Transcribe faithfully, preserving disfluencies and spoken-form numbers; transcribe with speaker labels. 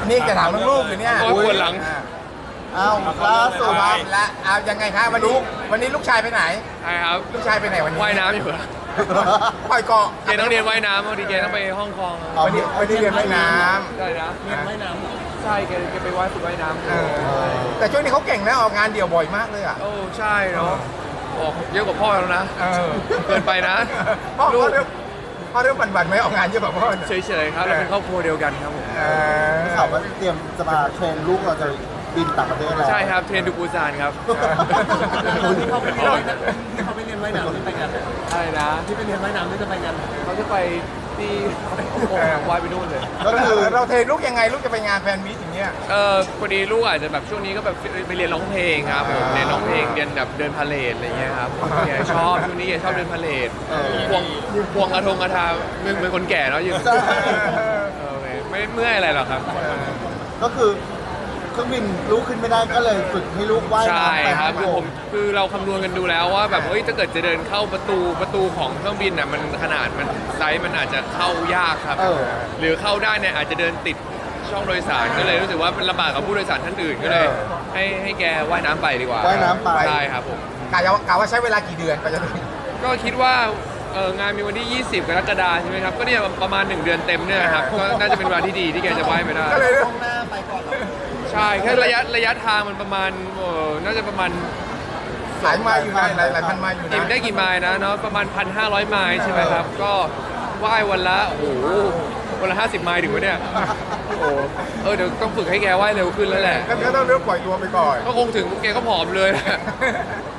Speaker 1: นี่จะถามเรื่องลูกอยู่เนี่ย
Speaker 2: โอ้ยปวดหลัง
Speaker 3: อ้าวล่าสุด
Speaker 1: เอาละเอายังไงครับวันนี้วันนี้ลูกชายไปไหน
Speaker 2: ใช่ครับ
Speaker 1: ลูกชายไปไหนวันนี้
Speaker 2: ว่ายน้ำอยู่เหรอ
Speaker 1: ปล่อยเกาะ
Speaker 2: เกณฑ์ต้องเรียนว่ายน้ำบางทีเกณฑ์ต้องไปฮ่องกง
Speaker 1: วันนี้วันนี้เรียนว่ายน้
Speaker 2: ใช่นะ
Speaker 1: ำเรียนว่ายน้
Speaker 2: ใช่เกณฑ์เกณฑ์ไปว่ายฝึกว่ายน้ำ
Speaker 1: ำเออแต่ช่วงนี้เขาเก่งนะออกงานเดี่ยวบ่อยมากเลยอ่ะ
Speaker 2: โอ้ใช่เนาะออกเยอะกว่าพ่อแล้วนะ
Speaker 1: เออ
Speaker 2: เกินไปนะ
Speaker 1: พ่อ
Speaker 2: ลู
Speaker 1: พ่อก เรื่องพ่อเรื่องบันๆไหมออกงานเยอะกว่าพ่อเนี่ย
Speaker 2: เฉยๆครับเราเป็นครอบครัวเดียวกันครับผม
Speaker 1: เออ
Speaker 3: ข่าวว่าเตรียมจะมาเทรนลูกเราจะบินต่างประเทศแล้ว
Speaker 2: ใช่ครับเทรนดูปูซานครับ
Speaker 4: ที่เขาไปเรียนว่ายน้ำที่เขาไปเรียนว่ายน้ำที่ไปกัน
Speaker 2: อะไรนะ
Speaker 4: ที่ไปเรียนว่ายน้ำที่จะไปกัน
Speaker 2: เขาจะไปที่ฮ่องกงว่ายไปนู่นเลย
Speaker 3: ก็คือ
Speaker 1: เราเทรนลูกยังไงลูกจะไปงานแฟนมีตอย่างเงี้ย
Speaker 2: เออพอดีลูกอาจจะแบบช่วงนี้ก็แบบไปเรียนร้องเพลงครับผมเรียนร้องเพลงเรียนแบบเดินพาเลทอะไรเงี้ยครับแกชอบช่วงนี้แกชอบเดินพาเลทควงควงกระทงกระทาเหมือนเหมือนคนแก่เนาะยืน
Speaker 3: ใช่
Speaker 2: เออไม่ไม่เมื่อยอะไรหรอกครับ
Speaker 3: ก็คือเครื่องบินลูกขึ้นไม่ได้ก็เลยฝึกให้ลูกว่าย
Speaker 2: ใช่
Speaker 3: น้ำไป
Speaker 2: ครับ
Speaker 3: ฮ่
Speaker 2: คือ
Speaker 3: อง
Speaker 2: ผ
Speaker 3: ก
Speaker 2: ม
Speaker 3: ง
Speaker 2: คือเราคำนวณกันดูแล้วว่าแบบเฮ้ยถ้าเกิดจะเดินเข้าประตูประตูของเครื่องบินน่ะมันขนาดมันไซส์มันอาจจะเข้ายากครับ
Speaker 3: เออ
Speaker 2: หรือเข้าได้เนี่ยอาจจะเดินติดช่องโดยสารก็เลยรู้สึกว่ามันลำบากกับผู้โดยสารท่านอื่นก็เลย ให้ให้แกว่ายน้ำไปดีกว่า
Speaker 3: ว่ายน้ำไป
Speaker 2: ใช่ครับผม
Speaker 1: กะว่ากะว่าใช้เวลากี่เดือนกว่าจะถึง
Speaker 2: ก็คิดว่าเอองานมีวันที่ ยี่สิบ กรกฎาคมใช่ไหมครับก็เนี่ยประมาณหนึ่งเดือนเต็มเนี่ยครับก็น่าจะเป็นเวลาที่ดีที่แกจะว่ายไปได้
Speaker 1: ก็เลย
Speaker 4: หน้าไปก่อนเหรอ
Speaker 2: ใช่แค่ระยะระยะทางมันประมาณเออน่าจะประมาณ
Speaker 1: หลายไมาอยู่นะหลายหลายพันไมาอยู่
Speaker 2: กิน
Speaker 1: นะ
Speaker 2: ได้กี่ไมล์นะเนาะประมาณ พันห้าร้อย ไมล์ใช่ไหมครับ ก็ว่ายวันละโอ้โหวันละห้าสิบไมล์ถึงวะเนี่ยโอ้โหเออเดี๋ยวต้องฝึกให้แกว่ายเร็วขึ้นแล้วแหละ
Speaker 1: ก็ก็ต้องเลือกปล่อยตัวไปก่อน
Speaker 2: ก็คงถึงแกก็ผอมเลย